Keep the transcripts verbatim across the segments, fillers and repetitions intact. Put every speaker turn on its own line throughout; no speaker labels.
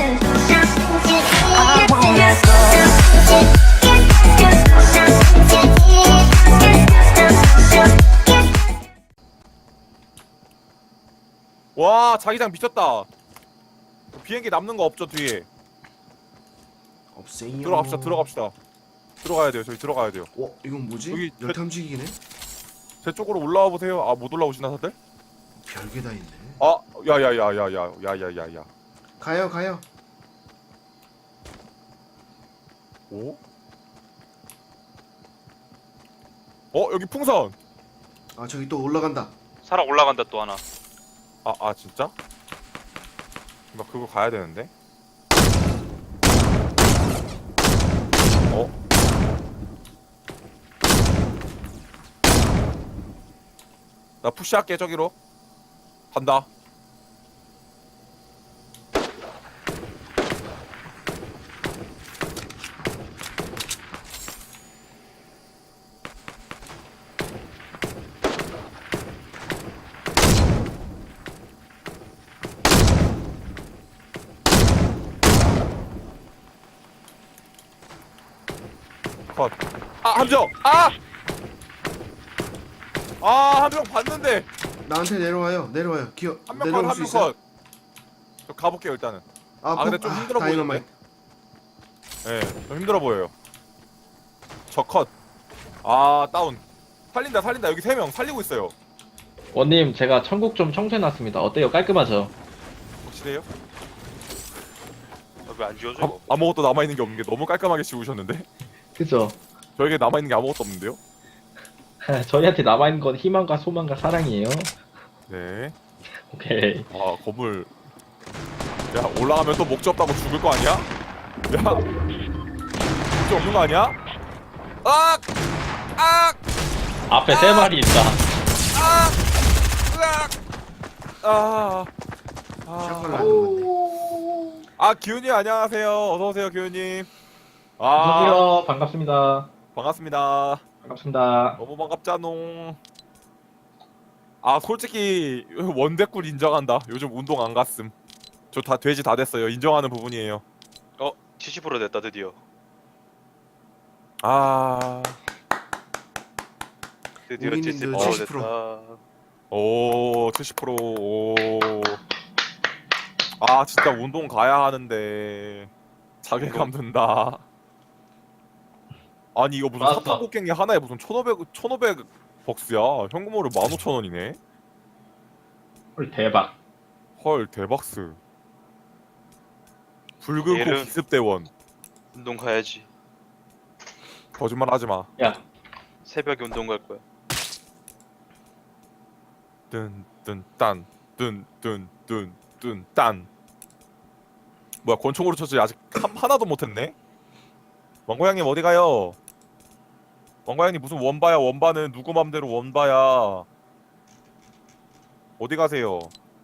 와, 자기장 미쳤다. 비행기 남는 거 없죠, 뒤에?
없어요.
들어갑시다, 들어갑시다. 들어가야 돼요, 저희 들어가야 돼요.
어, 이건 뭐지?
여기
열탐지기네?
제 쪽으로 올라와 보세요. 아, 못 올라오시나 다들?
별게 다 있네.
아, 야야야야야야야야야.
가요, 가요.
오? 어, 여기 풍선.
아, 저기 또 올라간다.
사람 올라간다 또 하나.
아, 아 진짜? 나 그거 가야 되는데. 어? 나 푸시할게 저기로. 간다. 컷. 아, 함정! 아! 아, 함정 봤는데!
나한테 내려와요. 내려와요. 기어.
한 명 컷,
내려올
한
수
명
있어요?
컷! 저 가볼게요, 일단은.
아,
아, 근데
폭-
좀 힘들어
다이너마이트.
예, 네, 좀 힘들어 보여요. 저 컷. 아, 다운. 살린다, 살린다. 여기 세 명 살리고 있어요.
원님 제가 천국 좀 청소해놨습니다. 어때요? 깔끔하죠?
확실해요?
왜 안 지워져?
아,
이거?
아무것도 남아있는 게 없는 게 너무 깔끔하게 지우셨는데?
그죠?
저에게 남아있는 게 아무것도 없는데요?
저희한테 남아있는 건 희망과 소망과 사랑이에요.
네.
오케이.
아, 건물. 야, 올라가면 또 목재 없다고 죽을 거 아니야? 야, 목재 없는 거 아니야? 아! 아!
앞에 세 마리 있다.
아! 으악! 아!
샷건
아,
나는 건데.
아, 기훈님 안녕하세요. 어서 오세요, 기훈님. 아,
안녕하세요. 반갑습니다.
반갑습니다.
반갑습니다.
너무 반갑잖농. 아, 솔직히 원대꿀 인정한다. 요즘 운동 안 갔음. 저 다 돼지 다 됐어요. 인정하는 부분이에요.
어, 칠십 퍼센트 됐다 드디어.
아,
드디어
우리님들
칠십 퍼센트
칠십 퍼센트.
됐다.
오, 칠십 퍼센트. 오. 아, 진짜 운동 가야 하는데 자괴감 든다. 아니, 이거 무슨
맞다.
사탕곡괭이 하나에 무슨 천오백, 천오백 벅스야. 현금으로 만 오천 원이네.
헐 대박.
헐, 대박스. 붉은 코
얘는-
기습대원.
운동 가야지.
거짓말 하지 마.
야,
새벽에 운동 갈 거야.
뜬뜬딴 뜬뜬뜬뜬딴. 뭐야, 권총으로 쳤지 아직 한, 하나도 못했네. 왕고양님 어디 가요? 왕고양님 무슨 원바야? 원바는 누구 맘대로 원바야? 어디 가세요?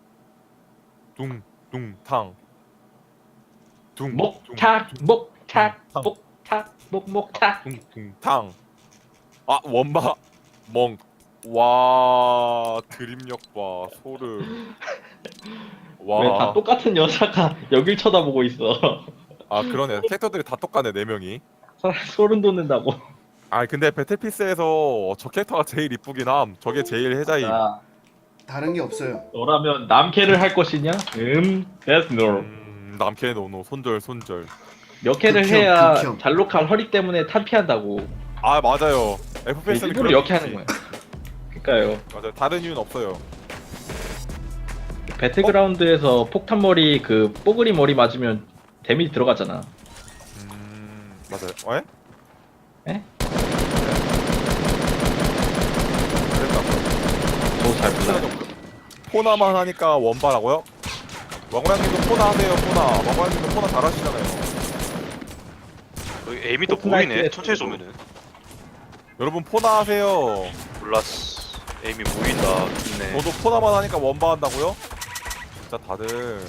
둥둥탕 둥
목탁, 목탁,
탕.
목탁, 목목탁.
둥둥탕. 아, 원바 멍. 와, 드립력 봐. 소름. 와.
왜 다 똑같은 여자가 여길 쳐다보고 있어?
아, 그러네. 캐릭터들이 다 똑같네, 네 명이.
소름 돋는다고.
아, 근데 배틀피스에서 저 캐릭터가 제일 이쁘긴 함. 저게 제일 해자임.
자,
다른 게 없어요.
너라면 남캐를 할 것이냐? 음, that's no.
음, 남캐 노노 손절 손절.
몇 캐를
극혐,
해야
극혐.
잘록한 허리 때문에 탄피한다고.
아, 맞아요. 에프피에스는
일부러 이렇게 하는 거야. 그러니까요.
맞아요. 다른 이유는 없어요.
배틀그라운드에서 폭탄머리 그 뽀글이 머리 맞으면 데미지 들어가잖아.
음, 맞아요. 에?
에?
그랬다.
저도 잘 몰라요.
포나만 하니까 원바라고요? 왕고양님도 포나 하세요, 포나. 왕고양님도 포나 잘하시잖아요.
여기 에임이 또
포트나이트에
보이네. 천천히
또-
쏘면은.
여러분 포나 하세요.
몰랐어. 에임이 보인다. 좋네.
저도 포나만 하니까 원바 한다고요? 진짜 다들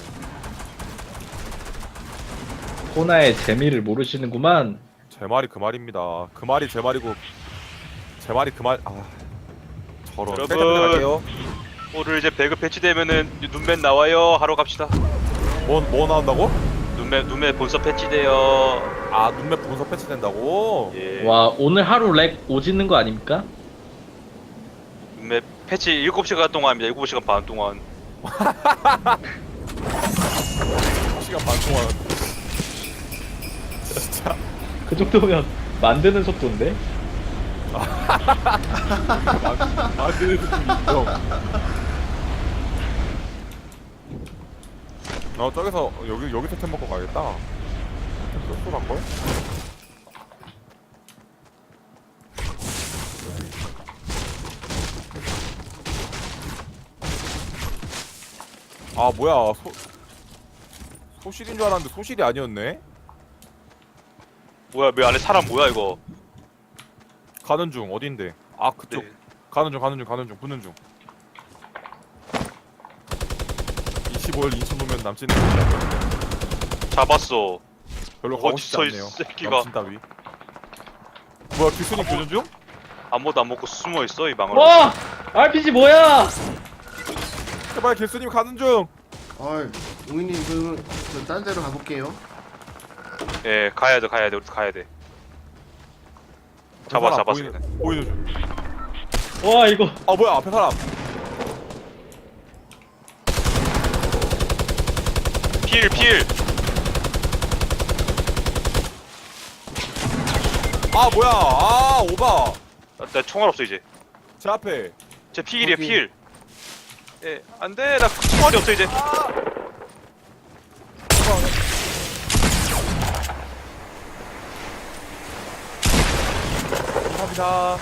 코나의 재미를 모르시는구만.
제 말이 그 말입니다. 그 말이 제 말이고 제 말이 그 말. 아, 저런.
여러분.
셀카 갈게요.
오늘 이제 배그 패치되면은 눈맨 나와요. 하러 갑시다.
뭐, 뭐 나온다고?
눈맨 눈매 눈매 본서 패치돼요.
아 눈맵 분석 패치된다고?
예.
와 오늘 하루 렉 오지는 거 아닙니까?
눈매 패치 일곱 시간 동안입니다. 일곱 시간 반 동안.
시간 반 동안. 진짜.
그 정도면 만드는 속도인데?
만드는 느낌이 있어. 어 저기서 여기 여기서 템 먹고 가야겠다. 템 쏠쏠 할 걸? 아 뭐야 소 소실인 줄 알았는데 소실이 아니었네.
뭐야 왜 안에 사람 뭐야 이거?
가는 중 어딘데? 아 그쪽.
네.
가는 중 가는 중 가는 중 붙는 중. 이십오 일 인천 보면 남친은
잡았어.
별로
어디
가고 싶지
서 이
않네요.
새끼가.
남친 따위. 뭐야 기순이 교전 중?
아무도 안 먹고 숨어 있어 이 방을.
와! 알피지 뭐야!
제발 길수님 가는 중.
어이, 웅이님 그, 저 딴 데로 가볼게요.
예, 가야 돼, 가야 돼, 우리 가야 돼. 잡아,
앞에 사람
잡았어.
보이는, 보이는 중.
와 이거
아 뭐야 앞에 사람.
필, 필.
아 뭐야 아 오바.
나, 나 총알 없어 이제.
제 앞에.
제 필이야,
거기.
필. 예, 안 돼, 나 총알이 없어 이제.
감사합니다.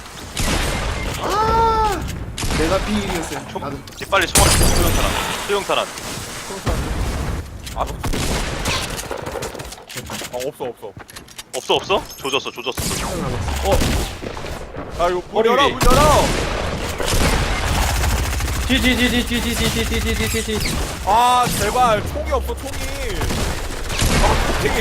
아! 내가 피일이었어요.
총,
나도.
이제 빨리 총알 소형탄환, 소형탄환.
아, 어 없어 없어.
없어, 없어? 조졌어, 조졌어.
아 이거 문
머리
열어
위.
문 열어.
지지지지지지지지지지지지
아 제발 총이 없어 총이. 아 되게.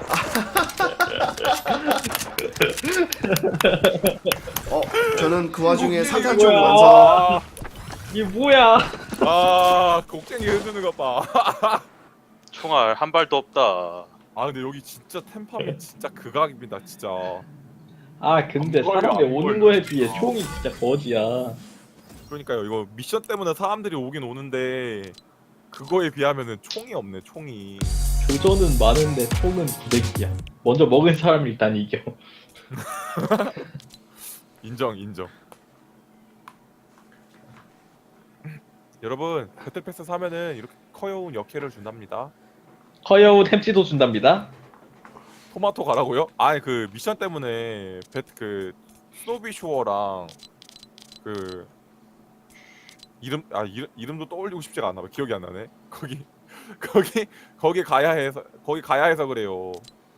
어, 저는 그 와중에
이거
산탄총
뭐야.
완성.
아,
이게 뭐야?
아 곡괭이 해주는 것 봐.
총알 한 발도 없다.
아 근데 여기 진짜 템팜이 진짜 극악입니다 진짜.
아 근데
안 걸려,
사람이
안
오는
걸려.
거에 비해 총이 진짜 거지야.
그러니까요 이거 미션 때문에 사람들이 오긴 오는데 그거에 비하면은 총이 없네 총이.
교전은 많은데 총은 구대기야. 먼저 먹은 사람이 일단 이겨.
인정 인정. 여러분 배틀패스 사면은 이렇게 커여운 역해를 준답니다.
커여운 햄찌도 준답니다.
토마토 가라고요? 아니 그 미션 때문에 배트 그 스노비쇼어랑 그 이름 아 이름 이름도 떠올리고 싶지가 않나 봐. 기억이 안 나네. 거기 거기 거기 가야 해서 거기 가야 해서 그래요.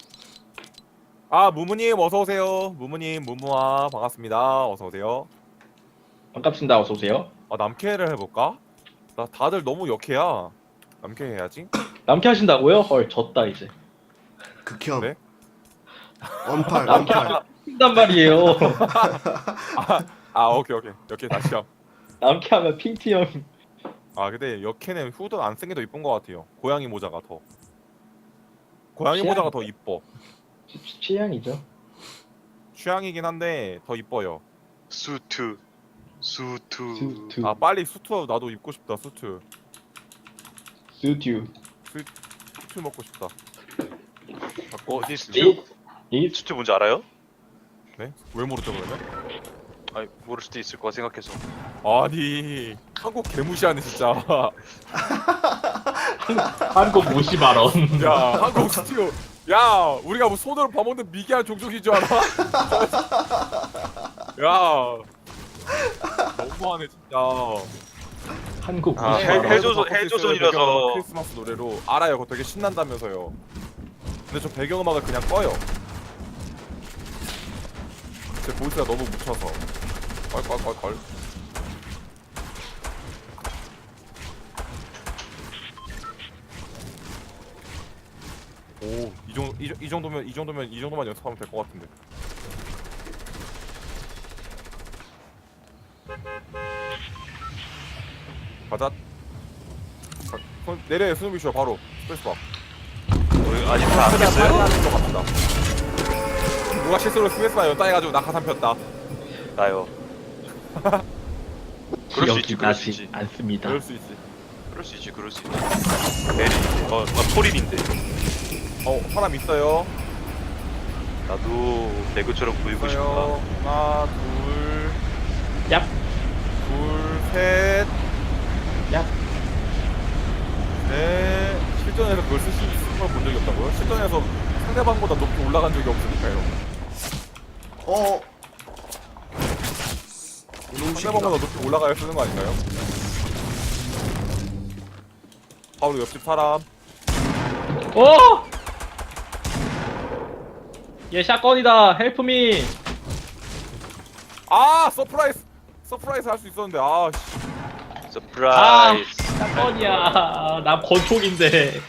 아 무무님 어서 오세요. 무무님 무무아 반갑습니다. 어서 오세요.
반갑습니다. 어서 오세요.
아 남캐를 해볼까? 나 다들 너무 역해야. 남캐 해야지.
남캐 하신다고요? 헐 졌다 이제.
극혐.
네?
원팔,
남캐
원팔.
핑단 말이에요.
아, 아 오케이 오케이 역캐 다시 함.
남캐 하면 핑티 형.
아 근데 역캐는 후드 안 쓴 게 더 이쁜 것 같아요. 고양이 모자가 더. 고양이
취향.
모자가 더 이뻐.
취- 취향이죠.
취향이긴 한데 더 이뻐요.
수트, 수트.
수트.
아 빨리 수트 나도 입고 싶다. 수트.
수튜.
수트 먹고 싶다. 바꿔.
어디
이, 이
수트 뭔지 알아요?
네? 왜 모르죠 그러면?
아니 모를 수도 있을 거라 생각해서.
아니 한국 개무시하네 진짜.
한국 무시 발언.
야 한국 스튜. 야 우리가 뭐 손으로 밥 먹는 미개한 종족인 줄 알아? 야 너무하네 진짜.
한국
아,
무시
해-
발언.
해조선-
바꿀 수 있어요,
해조선이라서.
배경음악 크리스마스 노래로 알아요. 그거 되게 신난다면서요. 근데 저 배경음악을 그냥 꺼요. 제 보이스가 너무 묻혀서. 껄껄껄껄. 오, 이 정도 이, 이 정도면 이 정도면 이 정도만 연습하면 될 것 같은데. 가자. 가, 손 내려 스노비쇼 바로 스페이스바.
어디, 아니 다안
최대한 빨리
깼어요?
하는 것 같다. 누가 실수로 스웨스나 연타해가지고 낙하산 폈다.
나요. 그럴 수 있지,
기억이
그럴 수
나지
있지.
않습니다.
그럴 수 있지.
그럴 수 있지, 그럴 수 있지. 에린인데, 어, 어 토린인데.
어 사람 있어요.
나도 배그처럼 보이고 싶다.
있어요. 하나 둘.
얍,
둘, 셋,
얍.
넷. 실전에서 그걸 쓰시는 걸 본 적이 없다고요? 실전에서 상대방보다 높이 올라간 적이 없으니까요.
어. 이놈 새끼가.
상대방보다 높이 올라가야 쓰는 거 아닌가요? 바로 옆집 사람.
어! 얘 샷건이다. 헬프미.
아 서프라이즈. 서프라이즈 할 수 있었는데 아 씨.
아,
서프라이즈.
샷건이야. 나 권총인데.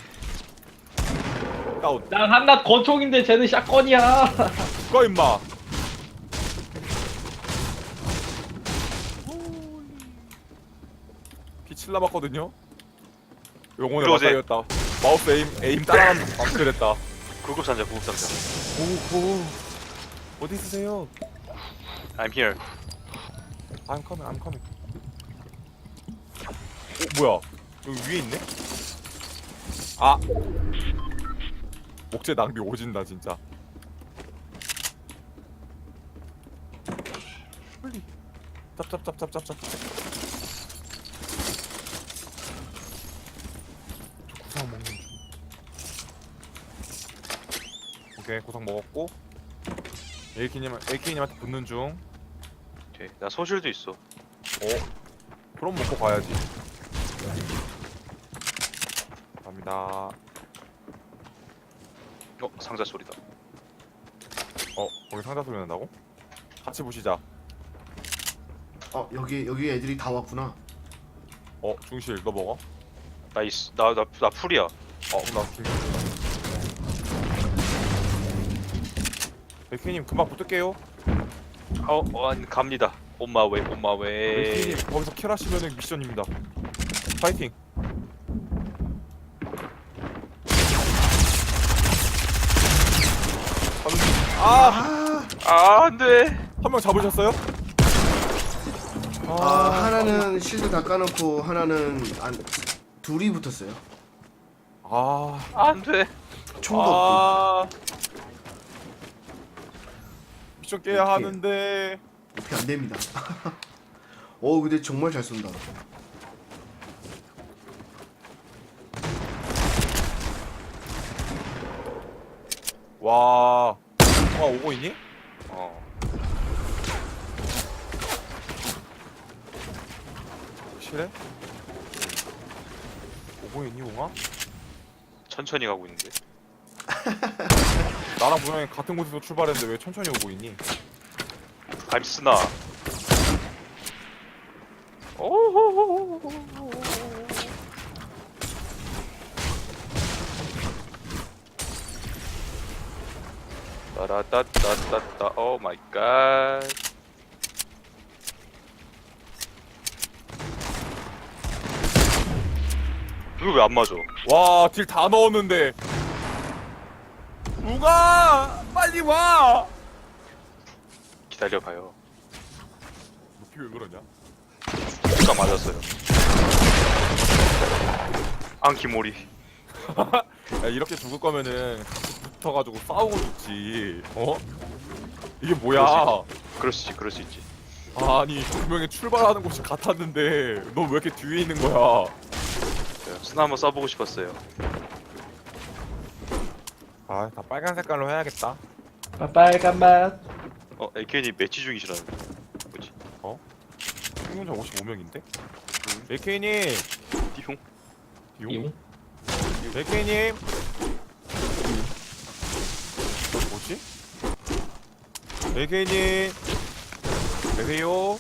다운.
난 한낱 권총인데 쟤는 샷건이야.
꺼 임마. 피칠 남았거든요. 영혼의
들어오세요.
맞다이였다. 마우스 에임 에임 따라가는 방출했다.
구급상자, 구급상자.
오오 어디 있으세요?
I'm here.
I'm coming, I'm coming. 어 뭐야? 여기 위에 있네? 아 목재 낭비 오진다 진짜. 빨리 짭짭짭짭짭짭. 저 구상 먹는 중. 오케이 구상 먹었고 에이키님 에이키님한테 붙는 중.
오케이. 나 소실도 있어.
어? 그럼 먹고 가야지. 갑니다.
어, 상자 소리다.
어? 거기 상자 소리 난다고? 같이 보시자.
어 여기 여기 애들이 다 왔구나.
어? 중실 너 먹어?
나 있, 나, 나, 나 풀이야.
어? 그럼 나 중실. 백희님 금방 붙을게요.
어, 어, 아니, 갑니다. On my way, on my way.
백희님 거기서 킬하시면은 미션입니다. 파이팅. 아!
아,
아, 안 돼.
한 명 잡으셨어요?
아 하나는 실드 다 까놓고 하나는 안 둘이 붙었어요.
아.
안 돼.
총도 없고.
아. 미션 깨야
오케이.
하는데.
이렇게 안 됩니다. 어 근데 정말 잘 쏜다.
와. 와 오고 있니?
어.
확실해? 오고 있니 옹아?
천천히 가고 있는데.
나랑 분명히 같은 곳에서 출발했는데 왜 천천히 오고 있니?
I'm 스나. 오호호호호호. 따라따따따따. 오 마이 갓. 이거 왜 안 맞아?
와, 딜 다 넣었는데. 웅아! 빨리 와!
기다려봐요.
높이 왜 그러냐?
누가 맞았어요. 안키모리.
야, 이렇게 죽을 거면은 같이 붙어가지고 싸우고 죽지. 어? 이게 뭐야?
그럴 수 있지, 그럴 수 있지.
아니, 분명히 출발하는 곳이 같았는데, 너 왜 이렇게 뒤에 있는 거야?
제가 스나 한번 써보고 싶었어요.
아, 다 빨간 색깔로 해야겠다.
빨간 맛.
어, 에이케이님 매치 중이시라는데. 뭐지?
생존자 오십오 명인데? 에이케이님!
띠용?
이용?
에이케이님! 뭐지? 에이케이님! 계세요?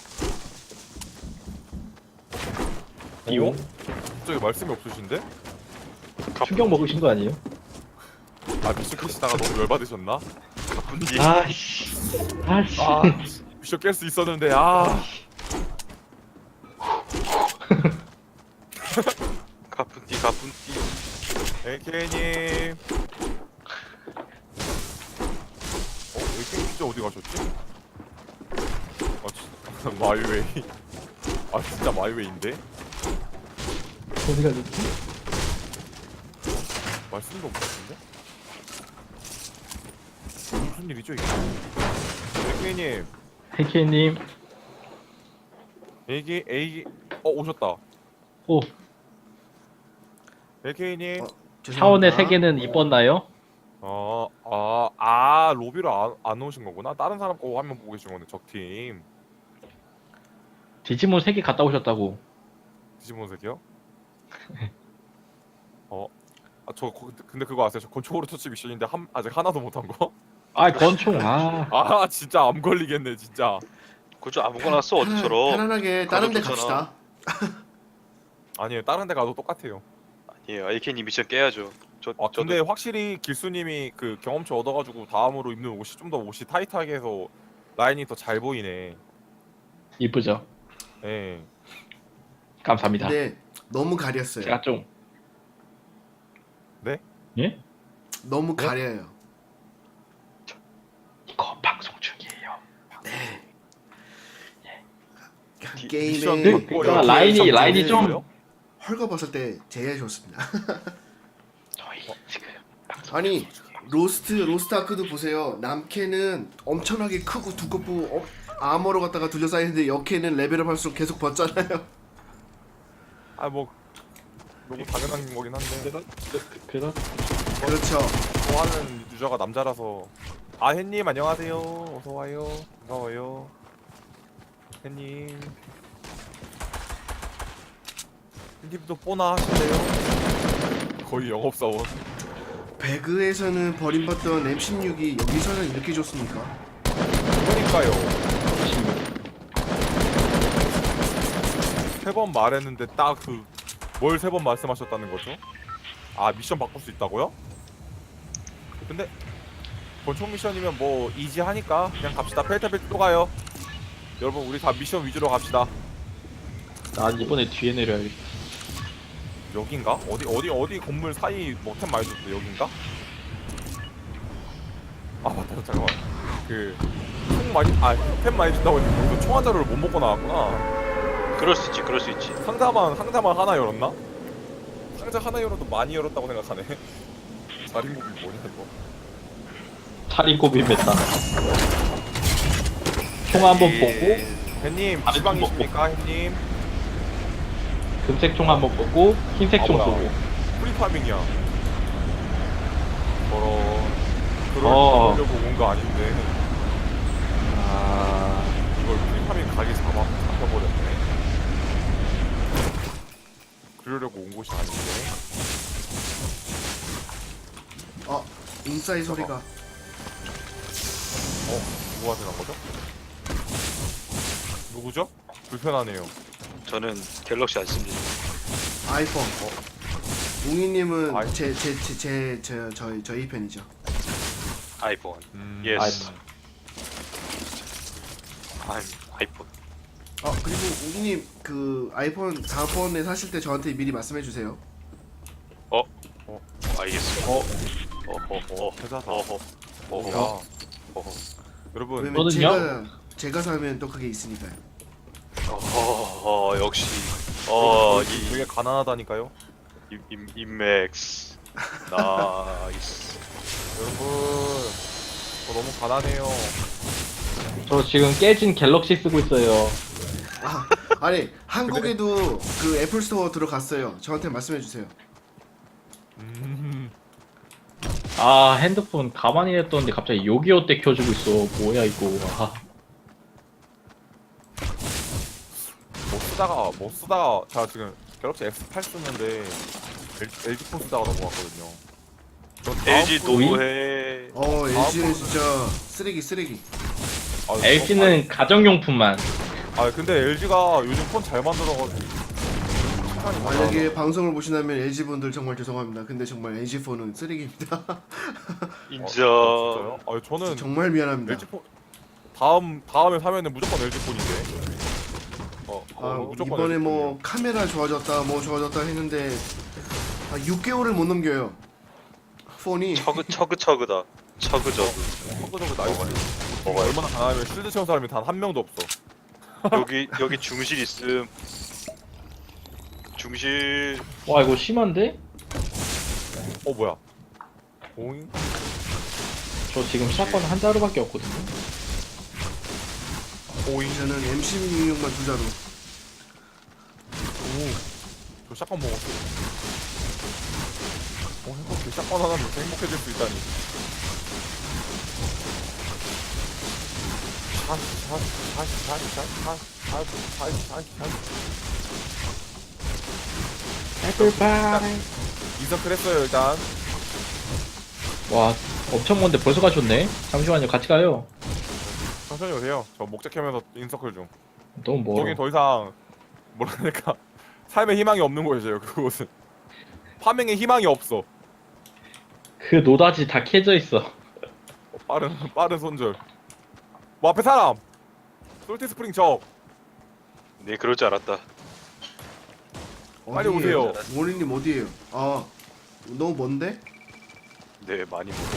이용?
갑자기 말씀이 없으신데?
충격 먹으신 거 아니에요?
아 미션 캐시다가 너무 열받으셨나?
가뿐디.
아씨. 아씨.
아 미션 깰 수 있었는데 아
가뿐디, 가뿐디.
에이케이님 가셨지? 아 진짜 마이웨이. 아 진짜 마이웨이인데?
어디 가셨지?
말씀도 못 같은데? 무슨 일이죠 이게? 백미님
헤이케이님.
에이기 에이기 어 오셨다.
오,
에이케이님
어, 죄송합니다.
차원의 세계는 이뻤나요?
어, 아, 아, 로비로 안, 안 오신 거구나. 다른 사람 거 화면 보고 계신 거네, 적팀.
디지몬 세 개 갔다 오셨다고.
디지몬색이요? 어, 아, 저, 거- 근데 그거 아세요? 저 건초로 터치 미션인데 한, 아직 하나도 못 한 거?
아, 권총. 아,
아, 진짜 암 걸리겠네, 진짜.
그저 아무거나 써
편안-
어디처럼.
편안하게 다른 데
가도
갑시다.
아니에요, 다른 데 가도 똑같아요.
아니에요. 에이케이님 미션 깨야죠. 저
아,
저도
근데 확실히 길수님이 그 경험치 얻어가지고 다음으로 입는 옷이 좀 더 옷이 타이트하게 해서 라인이 더 잘 보이네.
이쁘죠?
예.
감사합니다.
근데 너무 가렸어요.
제가 좀.
네?
예?
너무
네?
가려요.
이거 방송 중이에요.
디-
게임에
미션
네,
받고
그러니까
여기
라인이-
점점
라인이 좀-
보여요?
헐거벗을 때 제일 좋습니다.
저희 지금
아니 로스트 로스트 아크도 보세요. 남캐는 엄청나게 크고 두껍고 어, 아머로 갖다가 둘러싸이는데 여캐는 레벨업 할수록 계속 벗잖아요.
아, 뭐 너무 당연한 거긴 한데.
그래서
그렇죠.
좋아하는 유저가 남자라서. 아, 햇님 안녕하세요. 어서 와요. 반가워요. 햇님. 햇님도 뽀나 하실래요? 거의 영업사원.
배그에서는 버림받던 엠 십육이 여기서는 이렇게 좋습니까?
그러니까요. 세 번 말했는데 딱 그 뭘 세 번 말씀하셨다는 거죠? 아, 미션 바꿀 수 있다고요? 근데 권총 미션이면 뭐 이지하니까 그냥 갑시다. 펠타벨 또 가요. 여러분 우리 다 미션 위주로 갑시다.
난 이번에 뒤에 내려야겠다.
여긴가? 어디 어디 어디 건물 사이 뭐템 많이 줬어. 여긴가? 아 맞다 잠깐만. 그총 많이 아템 많이 준다고 했는데 여기서 총 한 자루를 못 먹고 나왔구나.
그럴 수 있지. 그럴 수 있지.
상자만 상자만 하나 열었나? 상자 하나 열어도 많이 열었다고 생각하네. 자린고비 뭐냐 이거?
차린고비 메타. 총 한번
예.
보고,
햇님
다른
지방이십니까 햇님?
금색 총 한번 보고, 흰색
아,
총
뭐야.
쏘고.
프리파밍이야. 저런 그걸
어.
보려고 온 거 아닌데
아,
이걸 프리파밍 가게 잡아 잡혀버렸네. 그러려고 온 곳이 아닌데.
어 인사이 소리가
어 누구한테 간 거죠? 누구죠? 불편하네요.
저는 갤럭시 안 씁니다.
아이폰. 웅이님은
아이-
제 제 제 제 제 저희 저희 편이죠.
아이폰.
음,
예스.
아이폰.
아, 아이폰.
어 그리고 웅이님 그 아이폰 다음번에 사실 때 저한테 미리 말씀해 주세요.
알겠습니다.
어,
어허.
어, 회사다.
어허. 어허.
야,
어허.
여러분,
왜냐면
저는요?
제가 제가 사면 또 그게 있으니까요.
어허. 역시. 어,
이
이
되게 가난하다니까요.
임, 임, 인맥스. 나이스.
여러분, 저 너무 가난해요.
저 지금 깨진 갤럭시 쓰고 있어요.
아 아니 한국에도 그 애플 스토어 들어갔어요. 저한테 말씀해 주세요.
음,
아, 핸드폰 가만히 냈더니 갑자기 요기요 때 켜주고 있어. 뭐야, 이거. 아,
뭐 쓰다가 뭐 쓰다가 제가 지금 갤럭시 엑스 팔 쓰는데 엘지 폰 쓰다가 넘어갔거든요. 저 다음
엘지
분-
노해.
어
아,
엘지는
그럼-
진짜 쓰레기 쓰레기.
아,
엘지는 가정용품만.
아, 아 근데 엘지가 요즘 폰 잘 만들어가지고 시간이
만약에 방송을 보시다면 엘지 분들 정말 죄송합니다. 근데 정말 엘지 폰은 쓰레기입니다.
인정.
어, 진짜요? 아 저는
정말 미안합니다.
엘지 폰 다음 다음에 사면은 무조건 엘지 폰인데. 어,
아,
어 무조건
이번에
엘지
뭐
폰이에요.
카메라 좋아졌다 뭐 좋아졌다 했는데 아, 육 개월을 못 넘겨요. 폰이
처그 처그 처그다. 처그저그.
허그저그 나이스.
먹어요.
얼마나 강하면 실드 채운 사람이 단 한 명도 없어.
여기 여기 중실 있음. 중실.
와 이거 심한데?
어 뭐야? 오잉?
저 지금 샷건 한 자루밖에 없거든요.
오잉?
저는 엠십육만 두 자루.
오. 저 샷건 먹었어. 어 행복해. 샷건 하나면 이렇게 행복해질 수 있다니.
애플파이.
이서클 했어요 일단.
와 엄청 먼데 벌써 가셨네. 잠시만요 같이 가요.
천천히 오세요. 저 목재캐면서 인서클 중.
너무 멀어.
거긴 더 이상 뭐랄까 삶의 희망이 없는 곳이에요. 그곳은 파밍의 희망이 없어.
그 노다지 다 캐져 있어.
어, 빠른 빠른 손절. 뭐 앞에 사람. 솔티 스프링 적.
네 그럴 줄 알았다.
빨리
어디예요?
오세요.
원희님 어디에요? 아 너무 먼데?
네 많이 먹어.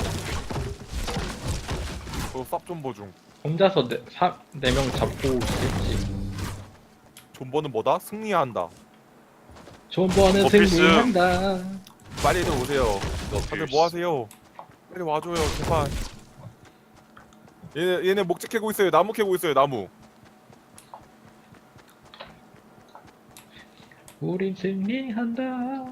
저쌉 존버 중.
혼자서 네, 사, 네 명 잡고 있겠지.
존버는 뭐다? 승리한다.
존버는
어, 필수.
승리한다.
빨리 좀 오세요.
너
다들 뭐 하세요? 빨리 와줘요 제발. 얘네 얘네 목재 캐고 있어요. 나무 캐고 있어요. 나무.
우린 승리한다.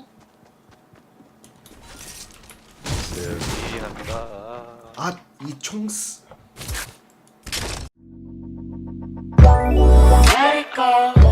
승리한다.
아이 총스.
Let it go.